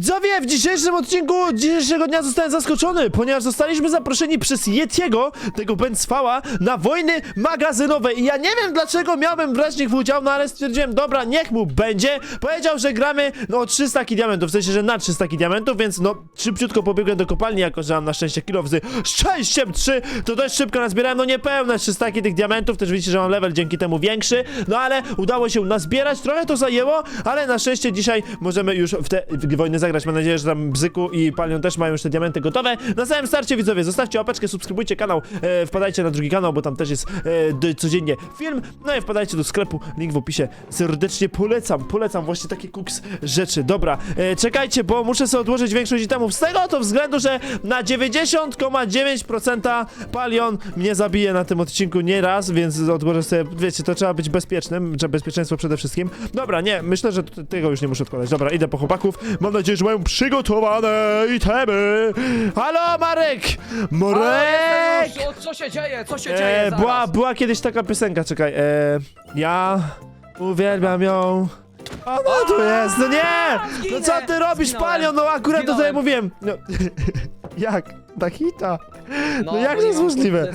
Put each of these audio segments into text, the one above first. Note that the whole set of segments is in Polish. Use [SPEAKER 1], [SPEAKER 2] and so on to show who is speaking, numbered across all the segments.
[SPEAKER 1] Widzowie, w dzisiejszym odcinku dzisiejszego dnia zostałem zaskoczony, ponieważ zostaliśmy zaproszeni przez Yetiego, tego Bęcwała, na wojny magazynowe i ja nie wiem dlaczego miałbym brać w nich udział, no ale stwierdziłem, dobra, niech mu będzie. Powiedział, że gramy, no o 3 staki diamentów, w sensie, że na 3 staki diamentów, więc no szybciutko pobiegłem do kopalni, jako że mam na szczęście kilo z szczęściem 3, to dość szybko nazbierałem, no niepełne 3 staki tych diamentów, też widzicie, że mam level dzięki temu większy, no ale udało się nazbierać, trochę to zajęło, ale na szczęście dzisiaj możemy już w te wojny zagrać. Mam nadzieję, że tam Bzyku i Palion też mają już te diamenty gotowe. Na samym starcie, widzowie, zostawcie łapeczkę, subskrybujcie kanał, wpadajcie na drugi kanał, bo tam też jest codziennie film. No i wpadajcie do sklepu, link w opisie. Serdecznie polecam właśnie takie kuks rzeczy. Dobra, czekajcie, bo muszę sobie odłożyć większość itemów z tego to względu, że na 90,9% Palion mnie zabije na tym odcinku nie raz, więc odłożę sobie, wiecie, to trzeba być bezpiecznym, trzeba bezpieczeństwo przede wszystkim. Dobra, nie, myślę, że tego już nie muszę odkładać. Dobra, idę po chłopaków. Mam nadzieję, że mają przygotowane itemy. Halo, Marek! Marek!
[SPEAKER 2] Co się dzieje? Co się dzieje?
[SPEAKER 1] Była kiedyś taka piosenka, czekaj. Ja uwielbiam ją. O, no tu jest, no nie! No co ty robisz, Palion? No akurat to tutaj mówiłem. No, jak? Na hita? No jak to jest możliwe?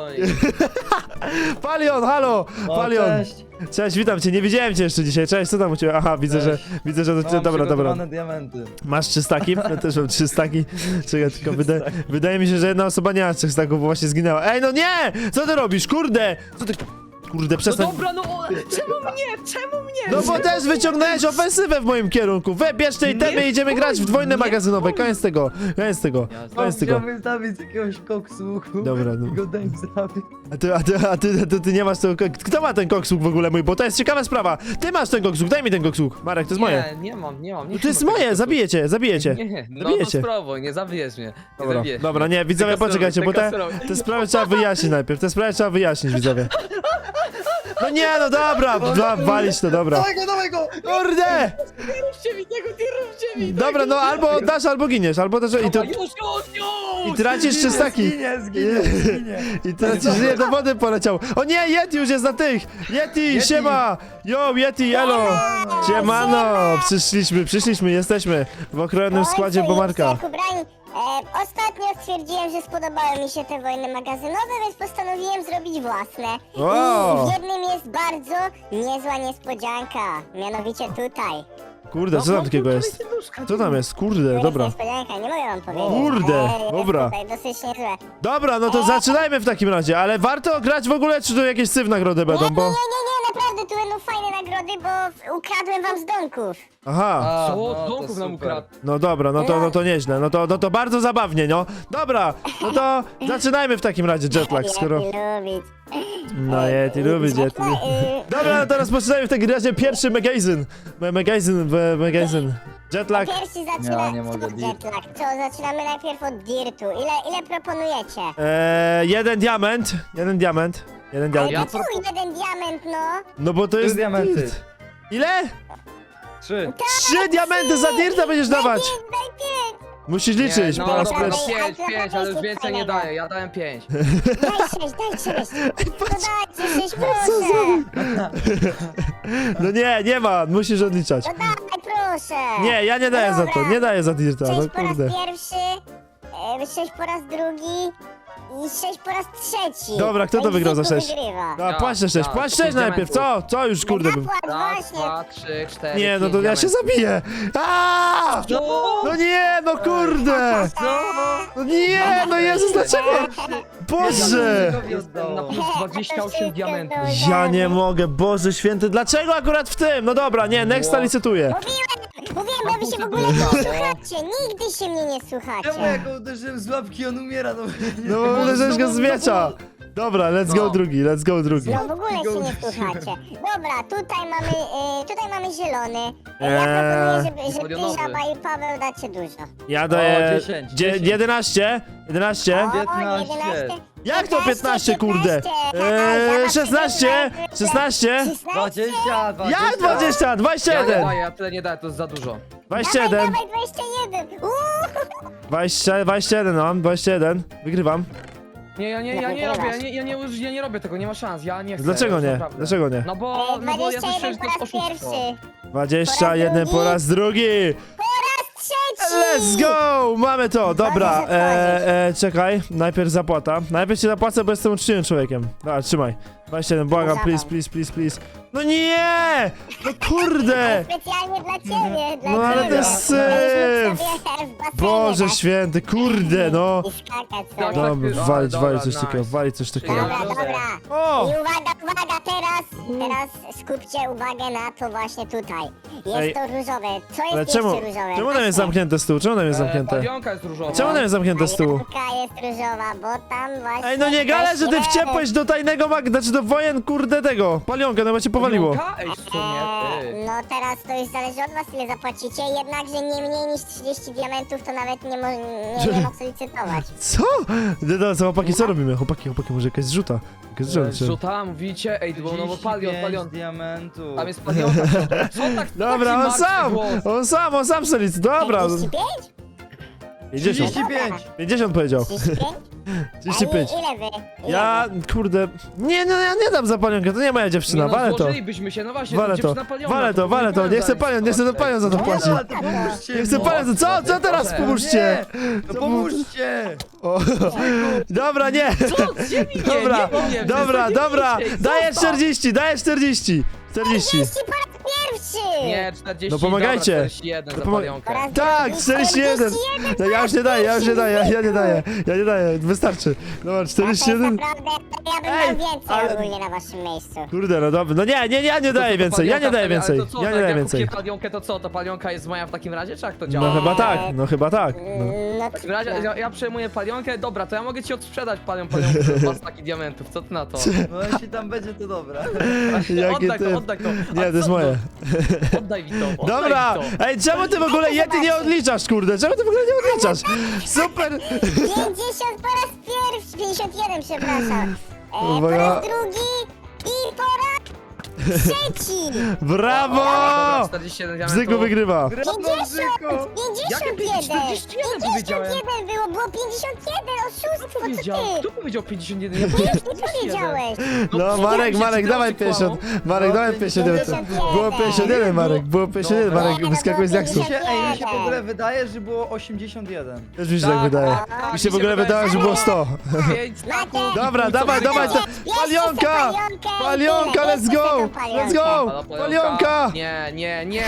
[SPEAKER 1] Palion, halo! Palion!
[SPEAKER 3] Cześć!
[SPEAKER 1] Cześć, witam cię, nie widziałem cię jeszcze dzisiaj. Cześć, co tam u ciebie? Aha, widzę, że to dobra.
[SPEAKER 3] Diamenty.
[SPEAKER 1] Masz 3 staki? Ja też mam 3 staki. Czekaj, tylko wydaje mi się, że jedna osoba nie ma 3 staków, bo właśnie zginęła. Ej, no nie! Co ty robisz? Kurde! Co ty... Kurde, przestań...
[SPEAKER 2] No dobra, no czemu mnie?
[SPEAKER 1] No bo też wyciągnąłeś ofensywę w moim kierunku. Bierz te itemy i idziemy grać w wojny magazynowe. Koniec tego.
[SPEAKER 3] Chciałbym wystawić jakiegoś koksuchu.
[SPEAKER 1] Dobra, no.
[SPEAKER 3] I go daj zabić.
[SPEAKER 1] A ty nie masz tego... Kto ma ten koksuk w ogóle mój? Bo to jest ciekawa sprawa. Ty masz ten koksuk, daj mi ten koksuk. Marek, to jest moje.
[SPEAKER 2] Nie mam.
[SPEAKER 1] No to jest moje, zabiję cię.
[SPEAKER 2] Nie, no to spróbuj, nie zabijesz mnie.
[SPEAKER 1] Dobra, nie, widzowie, poczekajcie, bo te sprawy trzeba wyjaśnić najpierw. Widzowie. No nie, no dobra, walić to, dobra.
[SPEAKER 3] Dawaj go!
[SPEAKER 1] Kurde!
[SPEAKER 2] Nie róbcie mi tego, nie róbcie mi!
[SPEAKER 1] Dobra, no albo dasz, albo giniesz, albo też... I tracisz 3 staki.
[SPEAKER 3] Zginie.
[SPEAKER 1] I tracisz, nie, do wody poleciał. O nie, Yeti już jest na tych! Yeti, siema! Yo, Yeti, elo! Siemano! Przyszliśmy, jesteśmy w okrojonym składzie Bomarka.
[SPEAKER 4] Ostatnio stwierdziłem, że spodobały mi się te wojny magazynowe, więc postanowiłem zrobić własne.
[SPEAKER 1] Wow.
[SPEAKER 4] I w jednym jest bardzo niezła niespodzianka, mianowicie tutaj.
[SPEAKER 1] Kurde, co tam takiego jest? Co tam jest? Kurde,
[SPEAKER 4] Tu
[SPEAKER 1] dobra.
[SPEAKER 4] jest niespodzianka, nie mogę wam powiedzieć.
[SPEAKER 1] Kurde,
[SPEAKER 4] ale
[SPEAKER 1] dobra.
[SPEAKER 4] jest tutaj dosyć niezłe.
[SPEAKER 1] Dobra, no to zaczynajmy w takim razie, ale warto grać w ogóle, czy tu jakieś syf nagrody będą, bo...
[SPEAKER 4] Nie, naprawdę, tu będą fajne nagrody, bo ukradłem wam z domków.
[SPEAKER 1] Aha.
[SPEAKER 2] Co? Domków nam ukradł.
[SPEAKER 1] No dobra, no to nieźle, no to bardzo zabawnie, no. Dobra, no to zaczynajmy w takim razie jetlag, skoro...
[SPEAKER 4] Yeti lubić.
[SPEAKER 1] No Yeti lubić, Yeti. Dobra, no to rozpoczynajmy w takim razie pierwszy magazyn. Jetlag.
[SPEAKER 4] Pierwszy zaczyna...
[SPEAKER 3] Nie mogę,
[SPEAKER 4] Jetlag. Co, zaczynamy najpierw od dirtu. Ile proponujecie?
[SPEAKER 1] 1 diament.
[SPEAKER 4] Ale
[SPEAKER 2] Ja
[SPEAKER 4] tu jeden diament, no.
[SPEAKER 1] No bo to jest
[SPEAKER 3] diamenty.
[SPEAKER 1] dirt. Ile?
[SPEAKER 3] 3.
[SPEAKER 1] 3 diamenty za dirta będziesz dawać.
[SPEAKER 4] Daj 5.
[SPEAKER 1] Musisz liczyć,
[SPEAKER 2] No
[SPEAKER 1] po raz
[SPEAKER 2] dobra,
[SPEAKER 1] pierwszy.
[SPEAKER 2] 5, ale już więcej nie daję, ja dałem 5.
[SPEAKER 4] Daj 6. To dajcie 6, proszę.
[SPEAKER 1] No nie ma, musisz odliczać.
[SPEAKER 4] No daj, proszę.
[SPEAKER 1] Nie, ja nie daję za to, nie daję za dirta,
[SPEAKER 4] 6
[SPEAKER 1] no
[SPEAKER 4] po raz
[SPEAKER 1] kurde.
[SPEAKER 4] pierwszy, 6 po raz drugi i 6 po raz trzeci.
[SPEAKER 1] Dobra, kto to wygrał za 6?
[SPEAKER 4] Wygrywa.
[SPEAKER 1] No, płać 6, płać 6 najpierw, co już kurde bym...
[SPEAKER 4] Zapłać,
[SPEAKER 2] Raz,
[SPEAKER 4] właśnie.
[SPEAKER 2] 2, 3, 4,
[SPEAKER 1] Nie, no to ja się zabiję. Aaaa! No nie, no kurde! No nie, no Jezus, dlaczego? Boże!
[SPEAKER 2] Na plus 28 diamentów.
[SPEAKER 1] Ja nie mogę, Boże święty, dlaczego akurat w tym? No dobra, nie, Nexta licytuje.
[SPEAKER 4] Mówiłem, bo wy się w ogóle nie słuchacie. Nigdy się mnie nie słuchacie.
[SPEAKER 3] Czemu ja go uderzyłem z łapki, on umiera, no.
[SPEAKER 1] No bo uderzyłeś go z miecza. Dobra, let's go drugi.
[SPEAKER 4] No w ogóle się nie słuchacie. Dobra, tutaj mamy zielony. Ja proponuję, że ty,
[SPEAKER 2] Folionowy.
[SPEAKER 4] Żaba i Paweł dacie dużo.
[SPEAKER 1] Ja daję
[SPEAKER 3] 10.
[SPEAKER 1] 11.
[SPEAKER 4] O,
[SPEAKER 3] 15.
[SPEAKER 4] 11.
[SPEAKER 1] Jak to 15, kurde? 16.
[SPEAKER 3] 20.
[SPEAKER 1] Jak 20?
[SPEAKER 2] Ja nie
[SPEAKER 1] 21.
[SPEAKER 2] daję, ja tyle nie daję, to jest za dużo.
[SPEAKER 1] 21.
[SPEAKER 4] Dawaj 21.
[SPEAKER 1] 21 mam, 21. Wygrywam.
[SPEAKER 2] Nie, ja nie robię, ja nie robię tego, nie ma szans, ja nie chcę.
[SPEAKER 1] Dlaczego
[SPEAKER 2] już
[SPEAKER 1] nie?
[SPEAKER 2] naprawdę.
[SPEAKER 1] Dlaczego nie?
[SPEAKER 2] No bo ja słyszę,
[SPEAKER 4] 21
[SPEAKER 2] że
[SPEAKER 4] po
[SPEAKER 2] to jest
[SPEAKER 4] raz
[SPEAKER 2] oszustwo.
[SPEAKER 4] pierwszy.
[SPEAKER 1] 21 po raz drugi.
[SPEAKER 4] Trzeci.
[SPEAKER 1] Let's go! Mamy to, dobra.
[SPEAKER 4] Możesz
[SPEAKER 1] Czekaj, najpierw zapłata. Najpierw się zapłacę, bo jestem uczciwym człowiekiem. Dobra, trzymaj. 27, błagam, please, please, please, please. No nie! No kurde!
[SPEAKER 4] Specjalnie dla ciebie, dla
[SPEAKER 1] No ale
[SPEAKER 4] ciebie.
[SPEAKER 1] to jest
[SPEAKER 4] Możesz
[SPEAKER 1] syf.
[SPEAKER 4] sobie w basenie
[SPEAKER 1] Boże
[SPEAKER 4] dać
[SPEAKER 1] święty, kurde, no.
[SPEAKER 4] I skakać
[SPEAKER 2] Dobra,
[SPEAKER 4] sobie.
[SPEAKER 1] Dobra,
[SPEAKER 2] Dobra,
[SPEAKER 1] walić coś
[SPEAKER 2] nice.
[SPEAKER 1] takiego, walić coś takiego.
[SPEAKER 4] Dobra,
[SPEAKER 2] Ja
[SPEAKER 4] dobra.
[SPEAKER 1] O!
[SPEAKER 4] I uwaga, teraz skupcie uwagę na to właśnie tutaj.
[SPEAKER 1] Ej.
[SPEAKER 4] Jest to różowe. Co jest
[SPEAKER 1] Ale
[SPEAKER 4] jeszcze
[SPEAKER 1] czemu?
[SPEAKER 4] różowe?
[SPEAKER 1] Czemu tam
[SPEAKER 4] Właśnie.
[SPEAKER 1] jest zamknięte z tyłu? Czemu tam jest zamknięte?
[SPEAKER 2] Palionka jest różowa.
[SPEAKER 1] Czemu tam jest zamknięte z tyłu?
[SPEAKER 4] Palionka jest różowa, bo tam właśnie...
[SPEAKER 1] Ej, no nie gale, że ty
[SPEAKER 4] coś
[SPEAKER 1] wciepłeś do tajnego znaczy do wojen, kurde, tego. Palionka, no bo cię powaliło.
[SPEAKER 2] Palionka? Ej, w sumie, ty.
[SPEAKER 4] No teraz to już zależy od was, ile zapłacicie, jednakże nie mniej niż 30 diamentów to nawet nie ma co licytować.
[SPEAKER 1] Co? No, co, chłopaki, co robimy? Chłopaki, może jakaś zrzuta. Jakaś zrzuta.
[SPEAKER 2] Rzuta, mówicie? Ej, było no bo palion.
[SPEAKER 3] diamentów.
[SPEAKER 2] Tam jest palionka. Co tak?
[SPEAKER 1] Dobra,
[SPEAKER 2] taki
[SPEAKER 1] on
[SPEAKER 2] martwy
[SPEAKER 1] sam!
[SPEAKER 2] głos?
[SPEAKER 1] On sam sobie liczy. Dobra.
[SPEAKER 4] 35?
[SPEAKER 1] 50.
[SPEAKER 3] 35!
[SPEAKER 1] 50 powiedział.
[SPEAKER 4] 35?
[SPEAKER 1] 35.
[SPEAKER 4] A ile wy? Ile
[SPEAKER 1] Ja, kurde. Nie, no ja nie dam za palionkę, to nie moja dziewczyna,
[SPEAKER 2] Nie no,
[SPEAKER 1] walę to.
[SPEAKER 2] złożylibyśmy się, no właśnie,
[SPEAKER 1] Walę to,
[SPEAKER 2] dziewczyna palionka,
[SPEAKER 1] walę to, nie chcę
[SPEAKER 2] powinien
[SPEAKER 1] palion za to
[SPEAKER 3] Nie
[SPEAKER 1] płaci.
[SPEAKER 3] no, ale to pomóżcie
[SPEAKER 1] Nie chcę
[SPEAKER 3] mi.
[SPEAKER 1] palion, co teraz
[SPEAKER 2] Proszę.
[SPEAKER 1] pomóżcie?
[SPEAKER 3] No pomóżcie!
[SPEAKER 1] O, dobra, nie.
[SPEAKER 2] Co? Ziemi nie,
[SPEAKER 1] Dobra,
[SPEAKER 2] nie, nie,
[SPEAKER 1] dobra,
[SPEAKER 2] nie,
[SPEAKER 1] dobra,
[SPEAKER 2] nie,
[SPEAKER 1] daję
[SPEAKER 2] zostaw.
[SPEAKER 1] 40, daję 40. 40.
[SPEAKER 4] 40 po raz pierwszy!
[SPEAKER 2] Nie, 40,
[SPEAKER 1] No pomagajcie.
[SPEAKER 2] dobra, 41 za
[SPEAKER 1] No pomo-
[SPEAKER 2] palionkę.
[SPEAKER 4] Po raz
[SPEAKER 1] Tak,
[SPEAKER 4] drugi
[SPEAKER 1] 41. No ja już nie daję, ja nie daję, wystarczy. Dobra, 41.
[SPEAKER 4] Naprawdę, ja bym
[SPEAKER 1] Ej,
[SPEAKER 4] miał więcej
[SPEAKER 1] ale-
[SPEAKER 4] ogólnie na waszym miejscu.
[SPEAKER 1] Kurde, no dobra, no nie daję więcej, ja nie daję więcej,
[SPEAKER 2] Ale to co,
[SPEAKER 1] ja nie
[SPEAKER 2] tak
[SPEAKER 1] daję
[SPEAKER 2] jak
[SPEAKER 1] więcej.
[SPEAKER 2] kupię palionkę, to co, to palionka jest moja w takim razie, czy jak to działa?
[SPEAKER 1] No chyba tak, no.
[SPEAKER 4] No
[SPEAKER 2] W takim razie ja przejmuję palionkę, dobra, to ja mogę ci odsprzedać palionkę za taki diamentów, co ty na to?
[SPEAKER 3] No jeśli tam będzie, to dobra.
[SPEAKER 1] Jakie
[SPEAKER 2] Oddaj
[SPEAKER 1] ty-
[SPEAKER 2] to, oddaj to. A
[SPEAKER 1] Nie, to jest
[SPEAKER 2] co
[SPEAKER 1] moje.
[SPEAKER 2] Oddaj mi to,
[SPEAKER 1] Dobra,
[SPEAKER 2] oddaj mi to.
[SPEAKER 1] ej, czemu ty w ogóle Yeti nie odliczasz, kurde, czemu ty w ogóle nie odliczasz? Super.
[SPEAKER 4] 50 po raz pierwszy, 51 przepraszam. Po
[SPEAKER 1] Uwaga.
[SPEAKER 4] raz drugi i po raz trzeci.
[SPEAKER 1] Brawo!
[SPEAKER 2] Dobra, 47 diamentów.
[SPEAKER 1] Bzyku wygrywa.
[SPEAKER 4] 50,
[SPEAKER 2] Jakie
[SPEAKER 4] 51.
[SPEAKER 2] 41 powiedziałem?
[SPEAKER 4] 51 było 51, oszustwo, co
[SPEAKER 2] Powiedział,
[SPEAKER 4] ty?
[SPEAKER 2] kto powiedział 51? Ja
[SPEAKER 4] Ty
[SPEAKER 2] powiedziałem
[SPEAKER 4] powiedziałeś.
[SPEAKER 1] No, Marek, dawaj 50. Marek, dawaj 51. Było 51, Marek, było 51,
[SPEAKER 2] Dobra.
[SPEAKER 1] Marek, wyskakuje z jaksu.
[SPEAKER 3] Ej, mi się w ogóle wydaje, że było 81.
[SPEAKER 1] Też mi się tak wydaje. Mi się w ogóle wydaje, że było 100.
[SPEAKER 2] 5 staków.
[SPEAKER 1] Dobra, dawaj, palionka! Palionka, let's go! Let's go! Palionka!
[SPEAKER 2] Nie.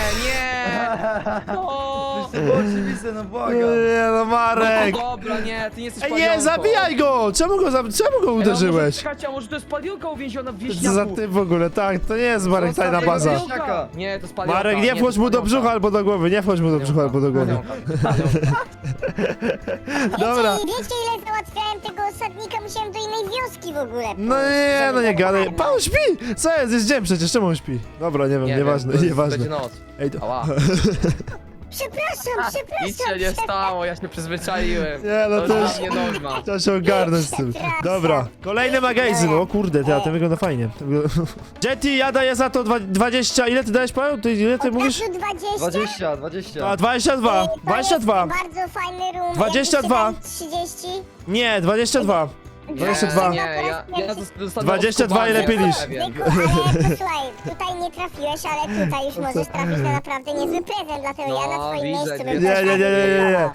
[SPEAKER 2] No.
[SPEAKER 3] To było oczywiste, no błagam.
[SPEAKER 1] Nie no, Marek!
[SPEAKER 2] No dobra, nie, ty nie jesteś
[SPEAKER 1] Ej,
[SPEAKER 2] palionką.
[SPEAKER 1] nie, zabijaj go! Czemu go uderzyłeś?
[SPEAKER 2] Kacia, może to jest palionka uwięziona w
[SPEAKER 1] Co
[SPEAKER 2] wieśniaku.
[SPEAKER 1] za ty w ogóle, tak, to nie jest Marek tajna
[SPEAKER 3] Zostaw
[SPEAKER 1] baza.
[SPEAKER 3] jego wieśniaka.
[SPEAKER 2] Nie, to jest palionka.
[SPEAKER 1] Marek, nie
[SPEAKER 2] to
[SPEAKER 1] wchodź
[SPEAKER 2] jest
[SPEAKER 1] mu do
[SPEAKER 2] palionka.
[SPEAKER 1] brzucha albo do głowy, nie wchodź mu do brzucha albo do głowy.
[SPEAKER 2] Palionka.
[SPEAKER 1] Dobra.
[SPEAKER 4] Wiecie ile załatwiałem tego osadnika, musiałem do innej wioski w ogóle.
[SPEAKER 1] No nie, no nie gadaj. Pan śpi! Co jest dzień przecież, czemu on śpi? Dobra, nie wiem, nieważne,
[SPEAKER 2] to jest-
[SPEAKER 1] nieważne.
[SPEAKER 2] Będzie noc.
[SPEAKER 1] Ej, to...
[SPEAKER 2] Ała.
[SPEAKER 4] Przepraszam.
[SPEAKER 2] Nic się nie stało, ja się przyzwyczaiłem.
[SPEAKER 1] Nie, no to już-
[SPEAKER 2] nie norma.
[SPEAKER 1] Trzeba się ogarnąć z tym. Dobra, kolejny magazyn. O kurde, ty, a ten wygląda fajnie. Jetty, ja daję za to 20. Ile ty dajesz, Paweł? Ile ty mówisz?
[SPEAKER 3] 20, 20.
[SPEAKER 1] A, 22. 22.
[SPEAKER 4] Bardzo fajny room.
[SPEAKER 1] 22.
[SPEAKER 4] 30.
[SPEAKER 1] Nie, 22. 22.
[SPEAKER 2] Nie, ja zostanę
[SPEAKER 1] 22 i lepiej niż.
[SPEAKER 4] Wieku, ale to słuchaj, tutaj nie trafiłeś, ale tutaj już możesz trafić na naprawdę niezły prezent, dlatego ja na
[SPEAKER 2] No,
[SPEAKER 4] twoim
[SPEAKER 2] widzę,
[SPEAKER 4] miejscu bym
[SPEAKER 2] widzę.
[SPEAKER 4] też
[SPEAKER 1] Nie.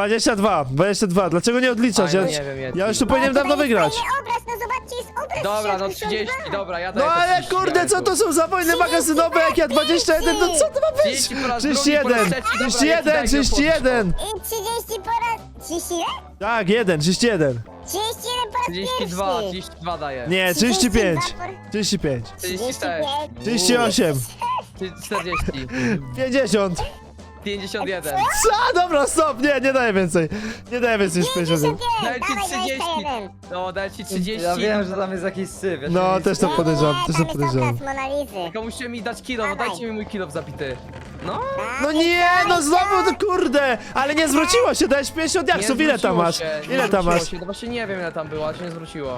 [SPEAKER 1] 22. Dlaczego nie odliczasz?
[SPEAKER 2] Fajno,
[SPEAKER 1] Ja,
[SPEAKER 2] nie wiem, Yeti.
[SPEAKER 1] ja już tu powinienem dawno wygrać.
[SPEAKER 4] Fajny obraz, no zobaczcie, jest obraz.
[SPEAKER 2] Dobra, no
[SPEAKER 4] 62.
[SPEAKER 2] 30, dobra, ja
[SPEAKER 1] No
[SPEAKER 2] daję to
[SPEAKER 1] ale
[SPEAKER 2] 30
[SPEAKER 1] kurde, co to są za wojny magazynowe, jak ja 21, no co to ma być?
[SPEAKER 2] 30 po raz drugi, po raz
[SPEAKER 1] 31,
[SPEAKER 2] trzeci, dobra,
[SPEAKER 1] 31,
[SPEAKER 2] Yeti, daj
[SPEAKER 1] 31.
[SPEAKER 4] I 30 po raz... 30 ile?
[SPEAKER 1] Tak, 31.
[SPEAKER 4] 31 po raz
[SPEAKER 2] 32,
[SPEAKER 4] pierwszy.
[SPEAKER 2] 32 daję.
[SPEAKER 1] Nie, 35.
[SPEAKER 4] 32 po-
[SPEAKER 1] 35.
[SPEAKER 2] 36,
[SPEAKER 1] 38.
[SPEAKER 2] 40,
[SPEAKER 1] 50.
[SPEAKER 2] 51.
[SPEAKER 1] Co? Dobra, stop, nie daję więcej. Nie daję więcej niż 51.
[SPEAKER 4] 51,
[SPEAKER 2] Daj ci
[SPEAKER 4] dawaj
[SPEAKER 2] 30.
[SPEAKER 4] 21.
[SPEAKER 2] No, daj ci 30.
[SPEAKER 3] Ja wiem, że tam jest jakiś syf. Ja się
[SPEAKER 1] No,
[SPEAKER 3] nie
[SPEAKER 1] też to
[SPEAKER 3] chcę.
[SPEAKER 1] podejrzewam,
[SPEAKER 4] Nie,
[SPEAKER 1] też
[SPEAKER 4] tam
[SPEAKER 1] to
[SPEAKER 4] jest
[SPEAKER 1] podejrzewam.
[SPEAKER 4] obraz Monalizy.
[SPEAKER 2] Tylko musicie mi dać kilo,
[SPEAKER 4] Dawaj.
[SPEAKER 2] dajcie mi mój kilo zabity. No,
[SPEAKER 1] No nie, no znowu, to kurde. Ale nie zwróciło się, dałeś 50 jaksów, ile tam masz? Ile tam masz?
[SPEAKER 2] No właśnie nie wiem ile tam było, ale się nie zwróciło.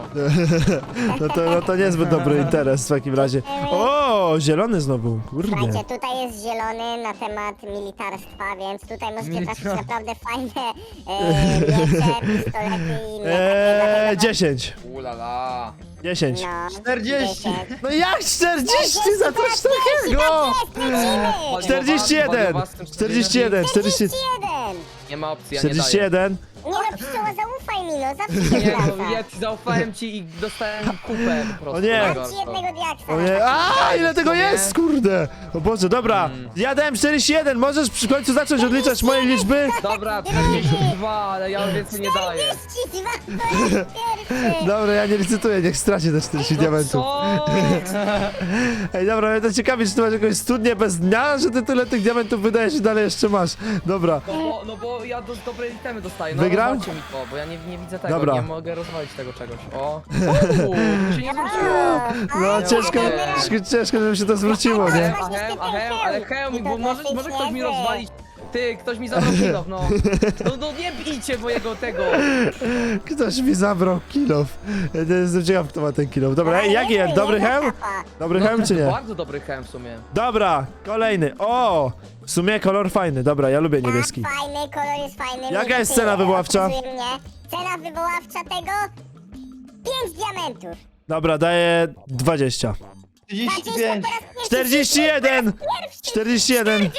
[SPEAKER 1] No to niezbyt dobry interes w takim razie. O, zielony znowu, kurde.
[SPEAKER 4] Słuchajcie, tutaj jest zielony na temat militarstwa, więc tutaj możecie trafić naprawdę fajne miecze, pistolety i inne takie.
[SPEAKER 1] 10.
[SPEAKER 2] Ulala.
[SPEAKER 1] 10.
[SPEAKER 4] No,
[SPEAKER 3] 40.
[SPEAKER 4] 10.
[SPEAKER 1] No jak 40 za coś takiego?
[SPEAKER 4] Lecimy!
[SPEAKER 1] 41. 41, 40.
[SPEAKER 4] 41!
[SPEAKER 2] Nie ma opcji, ja nie daję.
[SPEAKER 1] 41.
[SPEAKER 4] Nie no, pszczoła, zaufaj mi, no, zawsze się
[SPEAKER 2] Nie no,
[SPEAKER 4] wraca.
[SPEAKER 2] ja zaufałem ci i dostałem kupę po prostu.
[SPEAKER 1] O nie.
[SPEAKER 4] Dam
[SPEAKER 2] tego.
[SPEAKER 4] ci jednego diaksa.
[SPEAKER 1] O nie, a ile tego
[SPEAKER 2] Nie.
[SPEAKER 1] jest, kurde! O Boże, dobra, ja dałem 41, możesz przy końcu zacząć odliczać moje liczby?
[SPEAKER 2] Dobra, 42, ale ja więcej nie daję.
[SPEAKER 4] 42 po raz pierwszy.
[SPEAKER 1] Dobra, ja nie licytuję, niech straci te 40 diamentów.
[SPEAKER 2] Co?
[SPEAKER 1] Ej, dobra, mnie to ciekawi, czy ty masz jakąś studnię bez dnia, że ty tyle tych diamentów wydajesz i dalej jeszcze masz. Dobra,
[SPEAKER 2] No bo ja dobre itemy dostaję. No
[SPEAKER 1] Wygrał?
[SPEAKER 2] rozwalcie mi to, bo ja nie widzę tego,
[SPEAKER 1] Dobra.
[SPEAKER 2] nie mogę rozwalić tego czegoś. O! Się nie zwróciło!
[SPEAKER 1] no ciężko,
[SPEAKER 2] nie.
[SPEAKER 1] ciężko, żeby się to zwróciło, nie?
[SPEAKER 2] Ale Hełm, bo może ktoś mi rozwalić. Ty, ktoś mi zabrał kilof, no. No nie bijcie mojego tego.
[SPEAKER 1] Ktoś mi zabrał kilof. Ja jestem ciekaw, kto ma ten kilof. Dobra, ej, jaki jest? Dobry hełm? Dobry hełm czy nie?
[SPEAKER 2] Bardzo dobry hełm w sumie.
[SPEAKER 1] Dobra, kolejny. O! W sumie kolor fajny, dobra, ja lubię niebieski.
[SPEAKER 4] Tak, fajny, kolor jest fajny.
[SPEAKER 1] Jaka jest cena wywoławcza?
[SPEAKER 4] Obsługuje mnie. Cena wywoławcza tego? 5 diamentów.
[SPEAKER 1] Dobra, daję 20.
[SPEAKER 3] 35.
[SPEAKER 1] 41! 41!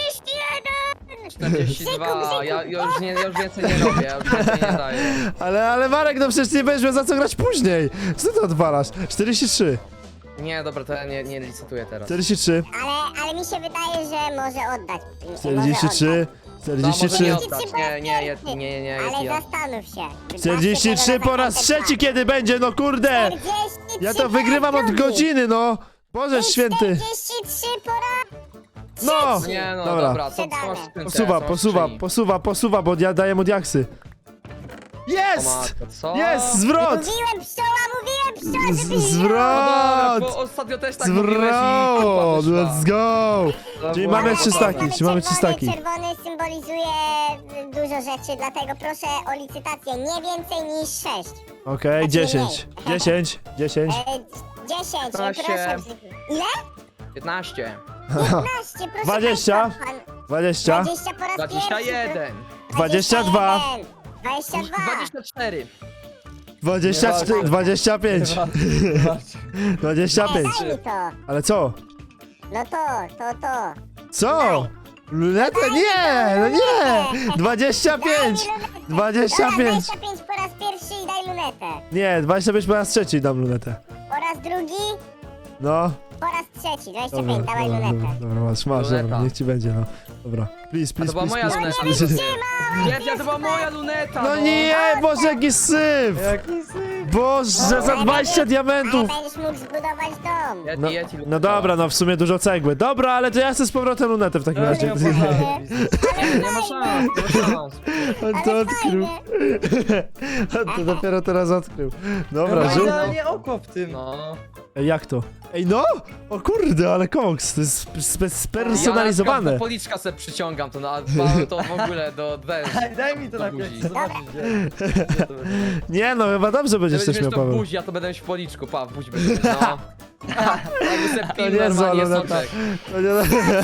[SPEAKER 2] 42, ja już więcej nie robię, ja już więcej nie daję.
[SPEAKER 1] Ale Marek, no przecież nie będziesz miał za co grać później. Co ty odwalasz? 43.
[SPEAKER 2] Nie, dobra, to ja nie licytuję teraz.
[SPEAKER 1] 43.
[SPEAKER 4] Ale mi się wydaje, że może oddać.
[SPEAKER 1] 43.
[SPEAKER 2] No, może
[SPEAKER 1] 43.
[SPEAKER 2] nie oddać, nie,
[SPEAKER 4] Ale
[SPEAKER 2] ja.
[SPEAKER 4] zastanów się.
[SPEAKER 1] 43 po raz trzeci kiedy będzie, no kurde!
[SPEAKER 4] 43
[SPEAKER 1] Ja to
[SPEAKER 4] po
[SPEAKER 1] wygrywam
[SPEAKER 4] raz
[SPEAKER 1] od
[SPEAKER 4] drugi.
[SPEAKER 1] godziny, no! Boże święty!
[SPEAKER 4] 43 po raz
[SPEAKER 1] No!
[SPEAKER 2] Nie no,
[SPEAKER 1] Dobra.
[SPEAKER 2] dobra, co masz w skrzynce?
[SPEAKER 1] Posuwa, bo ja daję mu diaksy.
[SPEAKER 2] O
[SPEAKER 1] Jest!
[SPEAKER 2] matko, co?
[SPEAKER 1] Jest! Zwrot!
[SPEAKER 4] Mówiłem pszczoła, żeby nie.
[SPEAKER 1] Zwrot!
[SPEAKER 2] Bo ostatnio też tak mówiłeś i
[SPEAKER 1] Zwrot!
[SPEAKER 2] wyszła.
[SPEAKER 1] Let's go! Czyli mamy 3 staki, czy mamy 3 staki?
[SPEAKER 4] Czerwony symbolizuje dużo rzeczy, dlatego proszę o licytację nie więcej niż 6.
[SPEAKER 1] Okej, 10. 10. 10.
[SPEAKER 4] 10,
[SPEAKER 2] Proszę.
[SPEAKER 4] proszę. Ile?
[SPEAKER 2] 15,
[SPEAKER 4] 15, proszę
[SPEAKER 1] 20.
[SPEAKER 4] państwa, pan-
[SPEAKER 1] 20.
[SPEAKER 4] 20 po raz
[SPEAKER 2] 21,
[SPEAKER 1] 22.
[SPEAKER 4] 22.
[SPEAKER 2] 24.
[SPEAKER 1] 24. 25. 25.
[SPEAKER 4] Daj mi to.
[SPEAKER 1] Ale co?
[SPEAKER 4] No to.
[SPEAKER 1] Co? Lunetę? Nie! No nie! 25!
[SPEAKER 4] Dobra,
[SPEAKER 1] 25!
[SPEAKER 4] 25 po raz pierwszy i daj lunetę.
[SPEAKER 1] Nie, 25 po raz trzeci dam lunetę.
[SPEAKER 4] Po raz drugi,
[SPEAKER 1] No.
[SPEAKER 4] po raz trzeci. 25,
[SPEAKER 1] Dobra,
[SPEAKER 4] dawaj
[SPEAKER 1] dobra,
[SPEAKER 4] lunetę.
[SPEAKER 1] dobra, masz,
[SPEAKER 2] Luneta.
[SPEAKER 1] dobra, niech ci będzie, no. Dobra. Please, please,
[SPEAKER 2] była
[SPEAKER 1] please,
[SPEAKER 2] moja
[SPEAKER 1] please,
[SPEAKER 2] luneta.
[SPEAKER 1] please, please.
[SPEAKER 2] Nie, to była moja luneta!
[SPEAKER 1] No nie, Boże, jaki syf!
[SPEAKER 3] Jaki syf.
[SPEAKER 1] Boże, za 20 diamentów!
[SPEAKER 4] Ale będziesz mógł zbudować dom.
[SPEAKER 1] No,
[SPEAKER 2] Ja ci
[SPEAKER 1] no dobra, no w sumie dużo cegły. Dobra, ale to ja chcę z powrotem lunetę w takim
[SPEAKER 3] Ja
[SPEAKER 1] razie.
[SPEAKER 3] nie opłacałem.
[SPEAKER 2] Nie ma szans, nie ma szans.
[SPEAKER 1] On to
[SPEAKER 4] Ale
[SPEAKER 1] odkrył.
[SPEAKER 4] fajnie.
[SPEAKER 1] On to dopiero teraz odkrył. Dobra,
[SPEAKER 3] No,
[SPEAKER 1] żółty.
[SPEAKER 3] ale nie oko w tym.
[SPEAKER 2] No.
[SPEAKER 1] Ej, jak to? Ej, no! O kurde, ale koks, to jest spersonalizowane.
[SPEAKER 2] Ja policzka se przyciągam to, to w ogóle do
[SPEAKER 3] Daj mi to
[SPEAKER 2] Do
[SPEAKER 3] na
[SPEAKER 2] buzi.
[SPEAKER 3] pierwszy, zobaczyć gdzie to będzie.
[SPEAKER 1] Nie no, chyba dobrze będziesz
[SPEAKER 2] Będziesz
[SPEAKER 1] też miał,
[SPEAKER 2] mieć to w
[SPEAKER 1] Paweł.
[SPEAKER 2] buzi, ja to będę mieć w policzku, w buzi będę mieć, no. Jakby se
[SPEAKER 1] To
[SPEAKER 2] pił
[SPEAKER 1] nie
[SPEAKER 2] normalnie
[SPEAKER 1] zła
[SPEAKER 2] soczek.
[SPEAKER 1] To nie...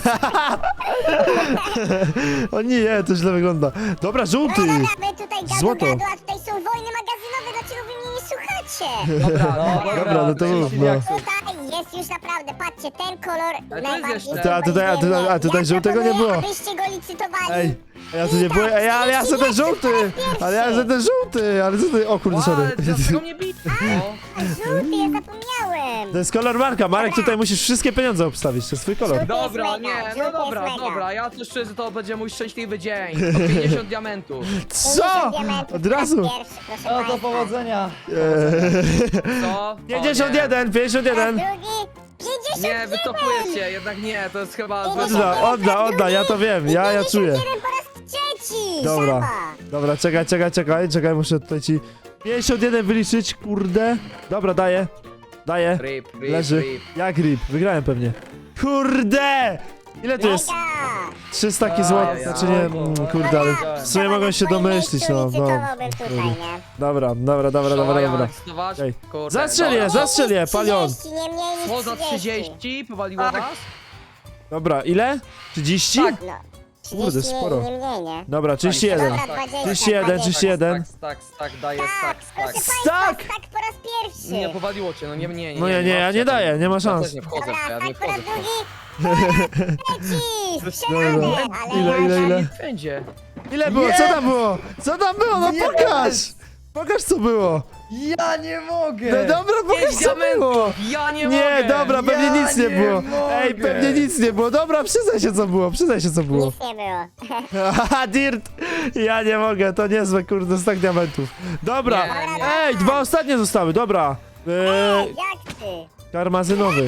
[SPEAKER 1] O nie, to źle wygląda. Dobra, żółty!
[SPEAKER 4] Dobra, my tutaj
[SPEAKER 1] Złoto.
[SPEAKER 4] gadu, a tutaj są wojny magazynowe, dlaczego wy mnie nie słuchacie?
[SPEAKER 1] Dobra, no to mów, no.
[SPEAKER 4] Tutaj jest już naprawdę, patrzcie, ten kolor
[SPEAKER 2] Ale to jest
[SPEAKER 4] najbardziej
[SPEAKER 2] jeszcze-
[SPEAKER 1] A tutaj żółtego nie było.
[SPEAKER 4] Abyście go licytowali.
[SPEAKER 1] Ej, a ja tu nie byłem, ej, ale ja chcę ten żółty! Ale ja chcę ten żółty! Ale co ty, o kurde, sorry.
[SPEAKER 2] Ale dlaczego mnie bij? No.
[SPEAKER 4] Żółty, ja zapomniałem.
[SPEAKER 1] To jest kolor Marka, Marek, tutaj musisz wszystkie pieniądze obstawić, to jest twój kolor.
[SPEAKER 2] Dobra,
[SPEAKER 4] mega,
[SPEAKER 2] nie,
[SPEAKER 4] żółty
[SPEAKER 2] no
[SPEAKER 4] jest
[SPEAKER 2] dobra,
[SPEAKER 4] mega.
[SPEAKER 2] dobra, ja to szczerze, to będzie mój szczęśliwy dzień. O 50 diamentów.
[SPEAKER 1] Co? Od razu!
[SPEAKER 4] Pierwszy, proszę
[SPEAKER 3] No to
[SPEAKER 4] państwa.
[SPEAKER 3] powodzenia.
[SPEAKER 2] Co? O,
[SPEAKER 1] 51, 51!
[SPEAKER 4] Raz drugi, 51.
[SPEAKER 2] Nie, wycofuję się, jednak nie, to jest chyba złe.
[SPEAKER 1] Odda, ja to wiem, ja czuję.
[SPEAKER 4] 51 po raz trzeci.
[SPEAKER 1] Dobra,
[SPEAKER 4] Szaba.
[SPEAKER 1] dobra, czekaj, muszę tutaj ci 51 wyliczyć, kurde. Dobra, daję,
[SPEAKER 2] Rip,
[SPEAKER 1] leży.
[SPEAKER 2] rip.
[SPEAKER 1] Jak rip, wygrałem pewnie. Kurde! Ile to jest?
[SPEAKER 4] Mega.
[SPEAKER 1] 300 taki złot,
[SPEAKER 2] Ajajaj.
[SPEAKER 1] znaczy nie, kurde, ale w sumie mogą się domyślić, no, no.
[SPEAKER 4] Licytowałbym tutaj, nie?
[SPEAKER 1] Dobra.
[SPEAKER 2] Licytować?
[SPEAKER 1] Ej,
[SPEAKER 2] Kurde,
[SPEAKER 1] zastrzel je, palion.
[SPEAKER 4] 30, nie mniej niż
[SPEAKER 2] Co za
[SPEAKER 4] 30?
[SPEAKER 2] 30? Powaliło was?
[SPEAKER 1] Dobra, ile? 30?
[SPEAKER 2] Tak.
[SPEAKER 4] No, 30
[SPEAKER 1] Kurde, sporo.
[SPEAKER 4] nie mniej, nie?
[SPEAKER 1] Dobra, 31.
[SPEAKER 4] Dobra, 20,
[SPEAKER 1] 31,
[SPEAKER 4] 20.
[SPEAKER 1] 31.
[SPEAKER 2] Tak, daję
[SPEAKER 4] Tak, proszę państwa,
[SPEAKER 1] Stack!
[SPEAKER 4] tak po raz pierwszy.
[SPEAKER 2] Nie, powaliło cię, no nie,
[SPEAKER 1] No ja nie daję, nie ma
[SPEAKER 2] Ja
[SPEAKER 1] szans.
[SPEAKER 2] też nie wchodzę,
[SPEAKER 4] Dobra,
[SPEAKER 2] ja nie
[SPEAKER 4] tak po raz
[SPEAKER 2] wchodzę.
[SPEAKER 4] drugi. Lecisz, przelany, ale...
[SPEAKER 1] Ile?
[SPEAKER 2] Nie będzie.
[SPEAKER 1] Ile było? Co tam było? Co tam było? No
[SPEAKER 3] Jest!
[SPEAKER 1] pokaż! Pokaż co było!
[SPEAKER 3] Ja nie mogę!
[SPEAKER 1] No dobra, pokaż
[SPEAKER 2] Pięć
[SPEAKER 1] co było!
[SPEAKER 2] diamentów! Ja nie mogę!
[SPEAKER 1] Nie, dobra, pewnie
[SPEAKER 3] Ja
[SPEAKER 1] nic nie
[SPEAKER 3] nie
[SPEAKER 1] było.
[SPEAKER 3] mogę.
[SPEAKER 1] Ej, pewnie nic nie było. Dobra, przyznaj się co było, przyznaj się co było.
[SPEAKER 4] Nic nie było.
[SPEAKER 1] Haha, Dirt! Ja nie mogę, to niezłe, kurde, stak diamentów. Dobra,
[SPEAKER 2] Nie, nie.
[SPEAKER 1] ej, dwa ostatnie zostały, dobra.
[SPEAKER 4] Jak ty?
[SPEAKER 1] Karmazynowy.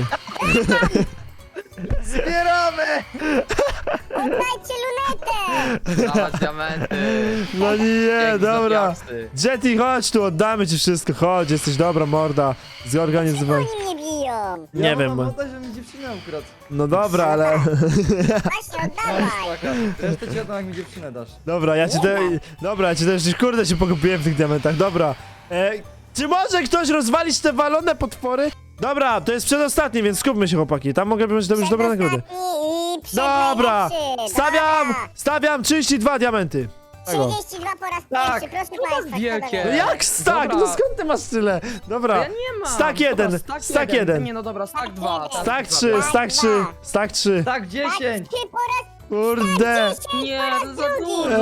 [SPEAKER 3] Zbieramy!
[SPEAKER 4] Oddajcie lunetę!
[SPEAKER 2] Dawać diamenty.
[SPEAKER 1] No nie,
[SPEAKER 2] Dzięki za
[SPEAKER 1] dobra.
[SPEAKER 2] diaksy.
[SPEAKER 1] Jetty, chodź tu, oddamy ci wszystko, chodź, jesteś dobra morda. Zorganizowałem.
[SPEAKER 4] Oni mnie biją!
[SPEAKER 1] Nie
[SPEAKER 3] ja
[SPEAKER 1] wiem,
[SPEAKER 3] mam
[SPEAKER 1] bo-
[SPEAKER 3] wodę, że mi dziewczynę ukradł.
[SPEAKER 1] No dobra, ale...
[SPEAKER 4] Właśnie, oddawaj!
[SPEAKER 3] Resztę ci oddam, jak mi dziewczynę dasz.
[SPEAKER 1] Dobra, ja ci te... Dobra, ja ci też, kurde, się pogubiłem w tych diamentach, dobra. Czy może ktoś rozwalić te walone potwory? Dobra, to jest przedostatni, więc skupmy się, chłopaki. Tam mogę być już dobre nagrody.
[SPEAKER 4] I
[SPEAKER 1] Dobra,
[SPEAKER 4] przednajlepszy.
[SPEAKER 1] stawiam 32 diamenty. Tego.
[SPEAKER 4] 32 po raz
[SPEAKER 3] Tak.
[SPEAKER 4] pierwszy, proszę
[SPEAKER 2] To
[SPEAKER 4] państwa.
[SPEAKER 2] wielkie.
[SPEAKER 1] No jak stak?
[SPEAKER 2] Dobra.
[SPEAKER 1] No skąd ty masz tyle? Dobra,
[SPEAKER 2] Ja nie mam.
[SPEAKER 1] Stak jeden,
[SPEAKER 2] Dobra,
[SPEAKER 1] stak jeden.
[SPEAKER 2] Nie, no dobra, stak 2.
[SPEAKER 1] stak 3, stak 3, stak 3.
[SPEAKER 3] Tak, 10!
[SPEAKER 4] Ty po raz
[SPEAKER 1] Kurde.
[SPEAKER 2] Nie, to za dużo.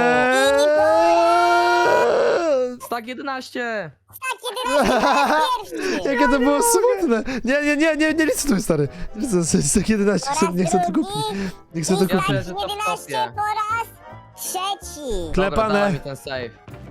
[SPEAKER 2] Stak 11.
[SPEAKER 4] tak 11 po raz pierwszy.
[SPEAKER 1] Jakie to było smutne. Nie licytuj, stary. Nie licytuj, stak 11,
[SPEAKER 4] Po raz
[SPEAKER 1] nie chcę to
[SPEAKER 4] drugi.
[SPEAKER 1] kupić. Nie chcę to
[SPEAKER 2] Ja
[SPEAKER 1] kupić.
[SPEAKER 2] też. że to
[SPEAKER 4] 11
[SPEAKER 2] wtopię.
[SPEAKER 4] po raz trzeci.
[SPEAKER 2] Dobra,
[SPEAKER 1] Klepane.
[SPEAKER 2] dawaj mi ten save.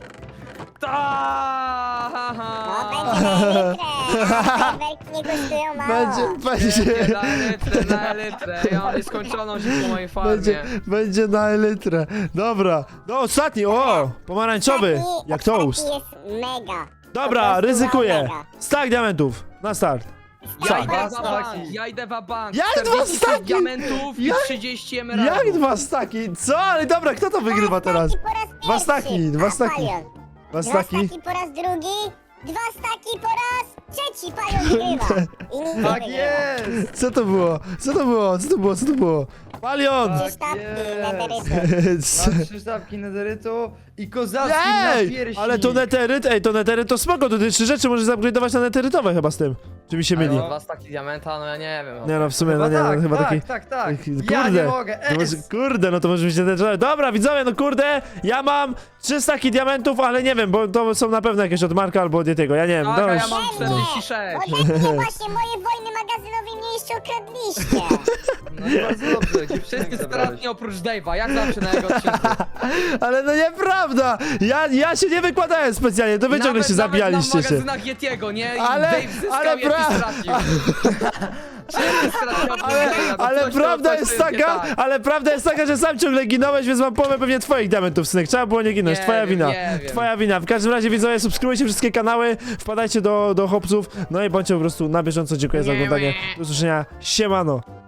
[SPEAKER 2] Ta!
[SPEAKER 4] No, będzie na litrę. Werki nie kosztują mało.
[SPEAKER 1] Będzie,
[SPEAKER 2] Na litrę. Ja mam nieskończoną się po mojej
[SPEAKER 1] będzie,
[SPEAKER 2] farmie.
[SPEAKER 1] będzie na elytrę. Dobra, no ostatni, o, pomarańczowy,
[SPEAKER 4] Ostatni-
[SPEAKER 1] jak toast.
[SPEAKER 4] ostatni jest mega.
[SPEAKER 1] Dobra,
[SPEAKER 4] Po prostu
[SPEAKER 1] ryzykuję.
[SPEAKER 4] mega.
[SPEAKER 1] Stak diamentów, na start.
[SPEAKER 2] Ja
[SPEAKER 1] Tak.
[SPEAKER 2] idę
[SPEAKER 3] Dwa
[SPEAKER 2] w bank,
[SPEAKER 3] staki.
[SPEAKER 2] ja idę w bank.
[SPEAKER 1] Jak
[SPEAKER 2] 46
[SPEAKER 1] dwa staki?
[SPEAKER 2] diamentów i
[SPEAKER 1] Jak-
[SPEAKER 2] 30 emeraldów.
[SPEAKER 1] Jak dwa staki? Co? Ale dobra, kto to wygrywa teraz?
[SPEAKER 4] Staki po raz pierwszy.
[SPEAKER 1] Dwa staki, dwa staki.
[SPEAKER 4] Palion.
[SPEAKER 1] Dwa
[SPEAKER 4] Dwa
[SPEAKER 1] staki?
[SPEAKER 4] staki po raz drugi. Dwa staki po raz trzeci. Palion wygrywa. I nikt nie
[SPEAKER 3] Tak
[SPEAKER 4] wygrywa.
[SPEAKER 3] jest!
[SPEAKER 1] Co to było? Co to było? Co to było? Co to było? Palion!
[SPEAKER 4] Trzy
[SPEAKER 3] Tak
[SPEAKER 4] sztabki
[SPEAKER 3] jest.
[SPEAKER 4] nederytu.
[SPEAKER 3] Mam 3 sztabki nederytu i kozacki
[SPEAKER 1] Ej!
[SPEAKER 3] napierśnik.
[SPEAKER 1] Ale to neteryt, to neteryt to spoko, to ty 3 rzeczy możesz upgrade'ować na neterytowe chyba z tym. Czy mi się myli?
[SPEAKER 2] No, dwa staki diamenta, no ja nie wiem.
[SPEAKER 1] Nie no, w sumie, no
[SPEAKER 3] Chyba
[SPEAKER 1] nie,
[SPEAKER 3] tak,
[SPEAKER 1] no chyba
[SPEAKER 3] tak,
[SPEAKER 1] taki...
[SPEAKER 3] tak, tak.
[SPEAKER 1] Kurde,
[SPEAKER 3] Ja nie mogę.
[SPEAKER 1] to może, kurde, no to może być neterytowe. Dobra, widzowie, no kurde, ja mam 3 staki diamentów, ale nie wiem, bo to są na pewno jakieś od Marka albo od Yetiego, ja nie wiem.
[SPEAKER 2] Tak,
[SPEAKER 1] dobra,
[SPEAKER 2] a ja
[SPEAKER 1] już-
[SPEAKER 2] mam 46.
[SPEAKER 4] Ode mnie właśnie moje wojny magazynowe mnie jeszcze okradliście.
[SPEAKER 3] No i bardzo dobrze, dziewczynę
[SPEAKER 2] Wszyscy
[SPEAKER 3] mi zabrałeś.
[SPEAKER 2] stratni oprócz Dave'a, jak zawsze na jego odcinku.
[SPEAKER 1] Ale no nieprawda! Ja się nie wykładałem specjalnie, to wy ciągle się zabijaliście
[SPEAKER 2] Nawet
[SPEAKER 1] się.
[SPEAKER 2] na magazynach Yetiego, nie? I
[SPEAKER 1] Ale-
[SPEAKER 2] Dave zyskał,
[SPEAKER 1] ale
[SPEAKER 2] Yeti stracił. Wszyscy stracili oprócz Dave'a, to
[SPEAKER 1] Ale
[SPEAKER 2] coś,
[SPEAKER 1] prawda
[SPEAKER 2] coś
[SPEAKER 1] jest
[SPEAKER 2] to nie
[SPEAKER 1] taka,
[SPEAKER 2] tak.
[SPEAKER 1] ale prawda jest taka, że sam ciągle ginąłeś, więc mam połowę pewnie twoich diamentów, synek. Trzeba było nie ginąć,
[SPEAKER 2] Nie
[SPEAKER 1] twoja
[SPEAKER 2] wiem,
[SPEAKER 1] wina.
[SPEAKER 2] nie wiem.
[SPEAKER 1] Twoja wina. W każdym razie widzowie, subskrybujcie wszystkie kanały, wpadajcie do chłopców, no i bądźcie po prostu na bieżąco. Dziękuję za
[SPEAKER 2] Nie,
[SPEAKER 1] oglądanie.
[SPEAKER 2] nie.
[SPEAKER 1] Do usłyszenia. Siemano.